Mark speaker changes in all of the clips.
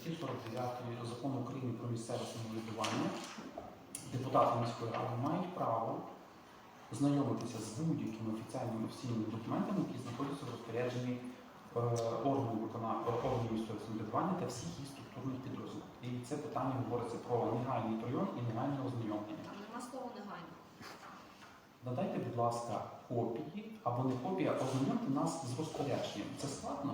Speaker 1: статті 49 Закону України про місцеве самоврядування депутати міської ради мають право знайомитися з будь-якими офіційними документами, які знаходяться в розпорядженні органів місцевого самоврядування та всіх їх структурних підрозділів. І це питання говориться про негайний прийом і негайне ознайомлення.
Speaker 2: Там нема слова негайно.
Speaker 1: Надайте, будь ласка, копії або не копії, а ознайомте нас з розпорядженням. Це складно?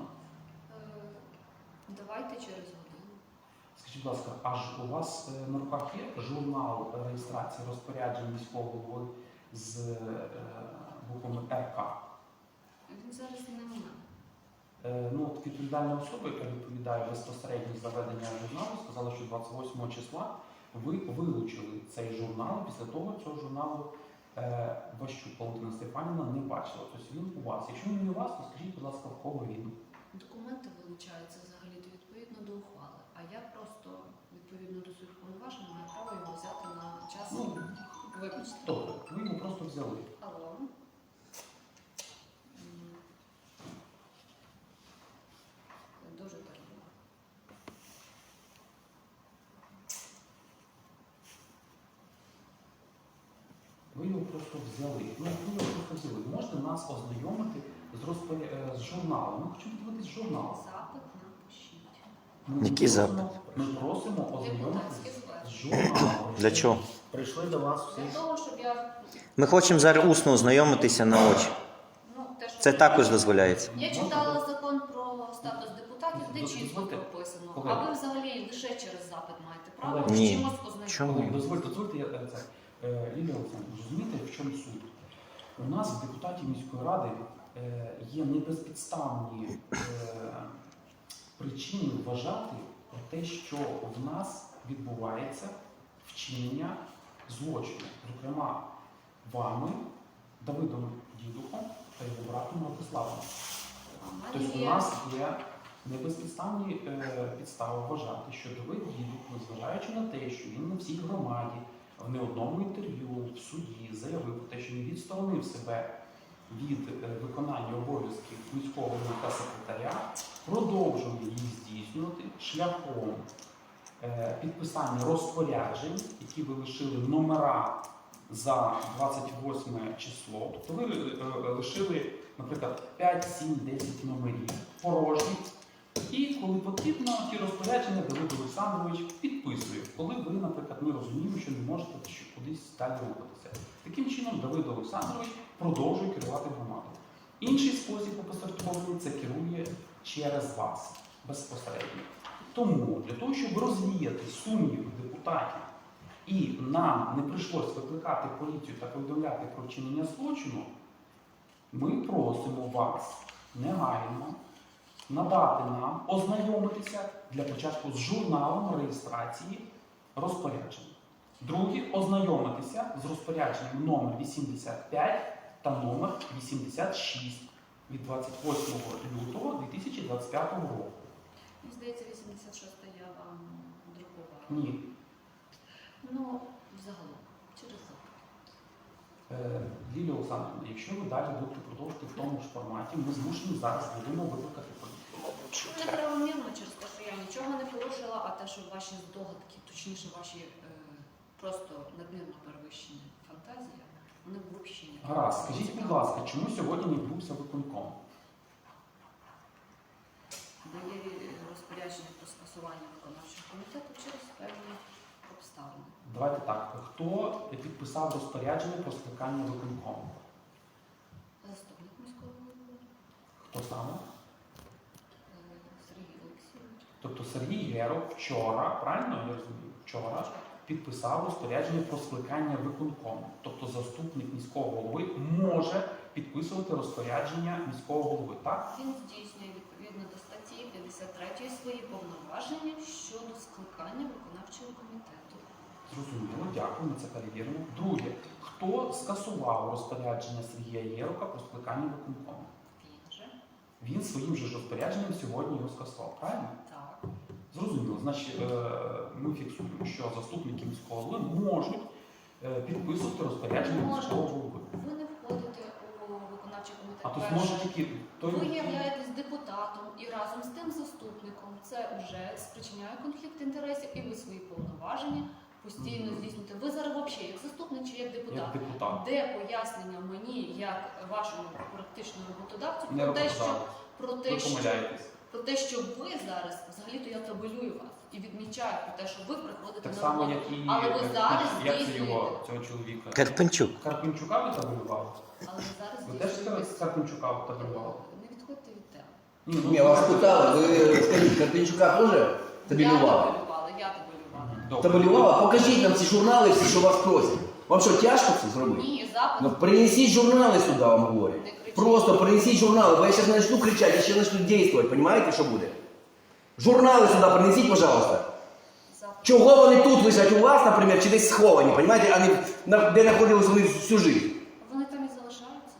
Speaker 2: Давайте через годину.
Speaker 1: Скажіть, будь ласка, аж у вас на руках є журнал реєстрації розпоряджень міського голови з буквами РК?
Speaker 2: Він зараз не у мене.
Speaker 1: Ну, от відповідальна особа, яка відповідає безпосередньо за ведення журналу, сказала, що 28 числа ви вилучили цей журнал, після того цього журналу Ващук Валентина Степанівна не бачила. Тобто він у вас. Якщо він не у вас, то скажіть, будь ласка, в кого він?
Speaker 2: Документи вилучаються взагалі відповідно до ухвали, а я просто відповідно до своїх повноважень маю право його взяти на час.
Speaker 1: Ну,
Speaker 2: вибачте.
Speaker 1: добре, ви його просто взяли.
Speaker 2: Алло. Дуже терміново.
Speaker 1: Ви його просто взяли. Ну, ви його просто взяли. Можете нас ознайомити з журналом. Ми хочемо подивитись журнал.
Speaker 2: Запит напишіть.
Speaker 3: Який запит?
Speaker 1: Ми просимо ознайомитися
Speaker 2: Депутатське
Speaker 1: з
Speaker 2: звернення.
Speaker 1: журналом.
Speaker 3: Для чого?
Speaker 4: Прийшли до вас всі.
Speaker 2: Для того, щоб я...
Speaker 3: Ми хочемо зараз усно ознайомитися на очі.
Speaker 2: Ну, те, що
Speaker 3: Це також дозволяється.
Speaker 2: Я читала закон про статус депутатів, де чітко
Speaker 1: Дозвольте.
Speaker 2: прописано.
Speaker 1: Колеги.
Speaker 2: А ви взагалі лише через запит маєте право
Speaker 1: Колеги.
Speaker 2: з
Speaker 3: Ні.
Speaker 2: чимось ознайомитися.
Speaker 3: Чому?
Speaker 1: Дозвольте, я це. Лілія Олександрівна, розумієте, в чому суть? У нас, в депутатів міської ради, є небезпідставні причини вважати про те, що в нас відбувається вчинення злочину. Зокрема, вами, Давидом Дідухом та його братом Владиславом.
Speaker 2: У
Speaker 1: Тобто у
Speaker 2: мене є...
Speaker 1: нас є небезпідставні підстави вважати, що Давид Дідух, незважаючи на те, що він на всій громаді, в не одному інтерв'ю в суді заявив про те, що він відсторонив себе від виконання обов'язків міського голови та секретаря, продовжує їх здійснювати шляхом підписання розпоряджень, які ви лишили номера за 28 число. Тобто ви лишили, наприклад, 5, 7, 10 номерів порожніх. І коли потрібно, ті розпорядження Давид Олександрович підписує, коли ви, наприклад, ми розуміємо, що не можете кудись далі рухатися. Таким чином, Давид Олександрович продовжує керувати громадою. Інший спосіб опосередкований – це керує через вас безпосередньо. Тому для того, щоб розвіяти сумніви депутатів і нам не прийшлось викликати поліцію та повідомляти про вчинення злочину, ми просимо вас негайно надати нам, ознайомитися для початку з журналом реєстрації розпоряджень. Друге, ознайомитися з розпорядженням номер 85 та номер 86 від 28 лютого 2025 року.
Speaker 2: Мені здається, 86 я вам друкувала.
Speaker 1: Ні.
Speaker 2: Ну, взагалом, через запит.
Speaker 1: Лілія Олександрівна, якщо ви далі будете продовжувати в тому ж форматі, ми змушені зараз будемо викликати поліцію.
Speaker 2: Неправомірно через те, що я нічого не порушила, а те, що ваші здогадки, точніше ваші просто надмірно перевищені фантазії, вони взагалі не...
Speaker 1: Гаразд, скажіть, будь ласка, чому сьогодні не відбувся виконком?
Speaker 2: Бо є розпорядження про скасування виконавчого комітету через певні обставини.
Speaker 1: Давайте так, хто підписав розпорядження про скликання виконкому?
Speaker 2: Заступник міського голови
Speaker 1: Хто саме?
Speaker 2: Сергій Олексійович.
Speaker 1: Тобто Сергій Геров вчора, правильно я розумію, вчора підписав розпорядження про скликання виконкому. Тобто заступник міського голови може підписувати розпорядження міського голови, так?
Speaker 2: Він здійснює відповідно до статті 53 свої повноваження щодо скликання виконавчого комітету.
Speaker 1: Зрозуміло, дякую, ми це перевіримо. Друге, хто скасував розпорядження Сергія Єрока про скликання виконкому?
Speaker 2: Він же.
Speaker 1: Він своїм же ж розпорядженням сьогодні його скасував, правильно?
Speaker 2: Так.
Speaker 1: Зрозуміло. Значить, ми фіксуємо, що заступники міського голови можуть підписувати розпорядження міського голови.
Speaker 2: Ви не входите у виконавчий комітет
Speaker 1: А то
Speaker 2: перше.
Speaker 1: зможе тільки той.
Speaker 2: Ви являєтесь депутатом і разом з тим заступником. Це вже спричиняє конфлікт інтересів, і ви свої повноваження постійно здійснюєте. Ви зараз взагалі як заступник чи як депутат?
Speaker 1: Як депутат.
Speaker 2: Де пояснення мені, як вашому практичному роботодавцю,
Speaker 1: Не
Speaker 2: про те, що
Speaker 1: роботодавець.
Speaker 2: про
Speaker 1: Ви
Speaker 2: те, що
Speaker 1: помиляєтесь.
Speaker 2: про те, що ви зараз взагалі-то я табелюю вас і відмічаю про те, що ви приходите
Speaker 1: Так
Speaker 2: на
Speaker 1: само,
Speaker 2: роботу.
Speaker 1: як і
Speaker 2: Але ви зараз
Speaker 1: як це
Speaker 2: здійснюєте.
Speaker 1: його цього чоловіка.
Speaker 3: Карпенчук.
Speaker 1: Карпенчука ви табелювали?
Speaker 2: Але ви зараз
Speaker 1: Ви теж
Speaker 2: здійснюєте.
Speaker 1: Карпенчука табелювали?
Speaker 2: Не відходьте від теми.
Speaker 4: Ні, вас питали, ви скажіть, Карпенчука теж табелювали?
Speaker 2: Я табелювала.
Speaker 1: Добре.
Speaker 4: Табелювала? Покажіть нам ці журнали, всі, що вас просять. Вам що, тяжко це зробити?
Speaker 2: Ні, запит.
Speaker 4: Ну принесіть журнали сюди, вам говорю.
Speaker 2: Не кричіть.
Speaker 4: Просто принесіть журнали, бо я зараз начну кричати, я ще начну дійствувати, понимаете, що буде? Журнали сюди принесіть, пожалуйста.
Speaker 2: Запит.
Speaker 4: Чого вони тут лежать у вас, наприклад, чи десь сховані, понимаете, а не де знаходились вони всю життя?
Speaker 2: Вони там і залишаються.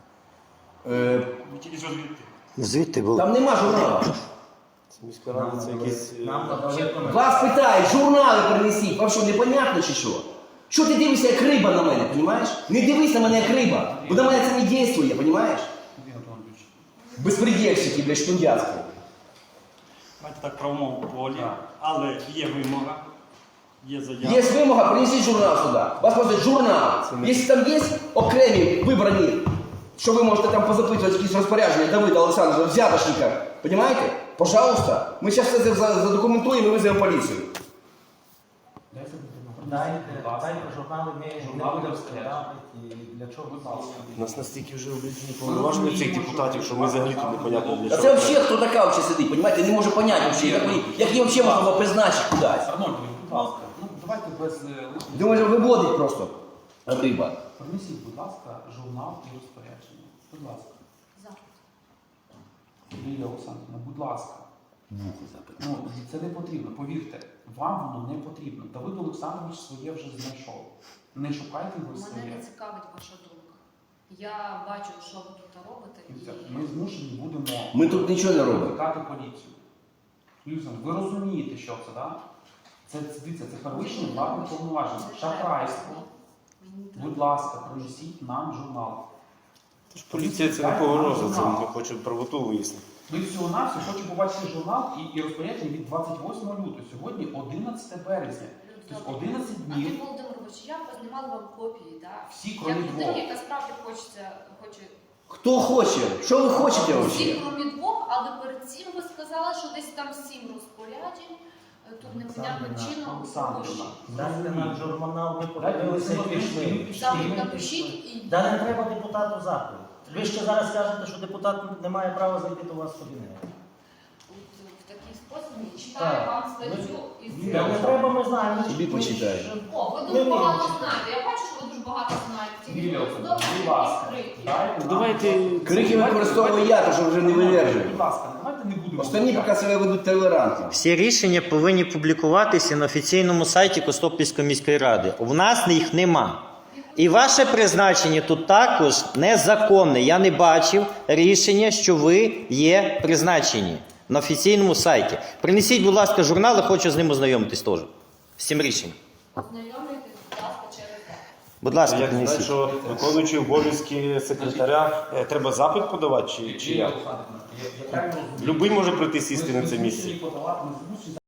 Speaker 3: Звідти були.
Speaker 4: Там нема журналів.
Speaker 5: Міська рада це якісь.
Speaker 4: Вас питають, журнали принесіть. Вам що, непонятно чи що? Що ти дивишся як риба на мене, понімаєш? Не дивись на мене як риба, бо на мене це не дійствує, понімаєш?
Speaker 1: Андрій Анатолійович.
Speaker 4: Безпредельщики, блядь, штундяцькі.
Speaker 5: Знаєте, так правовому полі,
Speaker 1: Так.
Speaker 5: але є вимога, є заява.
Speaker 4: Є вимога, принесіть журнал сюди. Вас просять журнал. Якщо там є окремі вибрані, що ви можете там позапитувати якісь розпорядження Давида Олександровича, взятошника, понімаєте? Пожалуйста. Ми зараз все це задокументуємо і визовемо поліцію.
Speaker 1: Дайте
Speaker 6: Дайте
Speaker 1: будь ласка.
Speaker 6: журнали, ми
Speaker 1: Журнали
Speaker 6: не будемо
Speaker 1: розкажуть.
Speaker 6: складати, і для чого
Speaker 1: Будь ласка.
Speaker 5: У нас настільки вже облічені повноваження цих депутатів, що ми взагалі тут непонятно для
Speaker 4: А
Speaker 5: чого.
Speaker 4: це взагалі хто така взагалі сидить, понімаєте? Не можу поняти взагалі, як її взагалі можна було призначити кудись.
Speaker 1: Арнольд, будь ласка. Ну, давайте без лишніх.
Speaker 4: Думаю, виводить просто риба.
Speaker 1: Принесіть, будь ласка, журнал і розпорядження. Будь ласка.
Speaker 2: Запит.
Speaker 1: Лілія Олександрівна, будь ласка. Ну, це не потрібно, повірте, вам воно не потрібно. Давид Олександрович своє вже знайшов. Не шукайте ви
Speaker 2: Мене
Speaker 1: своє.
Speaker 2: не цікавить ваша думка. Я бачу, що ви тут робите. і-
Speaker 1: Ми змушені будемо
Speaker 4: Ми тут нічого не робимо.
Speaker 1: викликати поліцію. Люсен, ви розумієте, що це, так? Дивіться, це перевищення владних повноважень, шахрайство.
Speaker 2: Мені не треба.
Speaker 1: Будь ласка, принесіть нам журнал.
Speaker 5: Тож поліція це не погроза, це ми хочемо правоту вияснити.
Speaker 1: Ми всього-навсього хочемо побачити журнал і розпорядження від 28 лютого. Сьогодні 11 березня. Тобто 11
Speaker 2: Андрій
Speaker 1: днів.
Speaker 2: Володимирович, я познімала вам копії, так?
Speaker 1: Всі,
Speaker 2: Як
Speaker 1: крім
Speaker 2: людина,
Speaker 1: двох.
Speaker 2: яка справді хоче
Speaker 4: Хто хоче? Що ви хочете
Speaker 2: всі,
Speaker 4: взагалі?
Speaker 2: крім двох, але перед цим ви сказали, що десь там 7 розпоряджень, тут непонятним чином.
Speaker 1: Олександрівна,
Speaker 6: Дайте нам журнал, ми
Speaker 1: Дайте
Speaker 6: подивилися і
Speaker 1: ми
Speaker 6: пішли.
Speaker 2: Запит напишіть і
Speaker 6: Да не треба депутату запит. Ви ще зараз кажете, що депутат не має права зайти до вас в кабінет.
Speaker 2: в такий спосіб я читаю
Speaker 6: Так.
Speaker 2: вам статтю із
Speaker 6: Да не треба, ми знаємо.
Speaker 4: Собі почитай.
Speaker 2: О, ви
Speaker 6: Ми
Speaker 2: дуже багато
Speaker 6: вміємо.
Speaker 2: знаєте. Я бачу, що ви дуже багато знаєте. Ці
Speaker 1: Лілія Олександрівна,
Speaker 2: добре,
Speaker 1: будь ласка,
Speaker 2: відкриті.
Speaker 1: дайте нам
Speaker 5: Давайте-
Speaker 1: журнал.
Speaker 4: Крики використовую я, то що вже не вивержую.
Speaker 1: Будь ласка, давайте не будемо.
Speaker 4: Останні поки себе ведуть толерантно.
Speaker 3: Всі рішення повинні публікуватися на офіційному сайті Костопільської міської ради. У нас їх нема. І ваше призначення тут також незаконне. Я не бачив рішення, що ви є призначені на офіційному сайті. Принесіть, будь ласка, журнали, хочу з ним ознайомитись теж. З цим рішенням.
Speaker 2: Знайомитесь, будь ласка, через те.
Speaker 3: Будь ласка,
Speaker 5: Як знати,
Speaker 3: принесіть.
Speaker 5: що виконуючи обов'язки секретаря, треба запит подавати чи
Speaker 1: Лілія
Speaker 5: як?
Speaker 1: Олександрівна, я правильно розумію?
Speaker 5: Любий може прийти сісти
Speaker 1: Ми
Speaker 5: на це місце.
Speaker 1: змушені подавати, ми змушені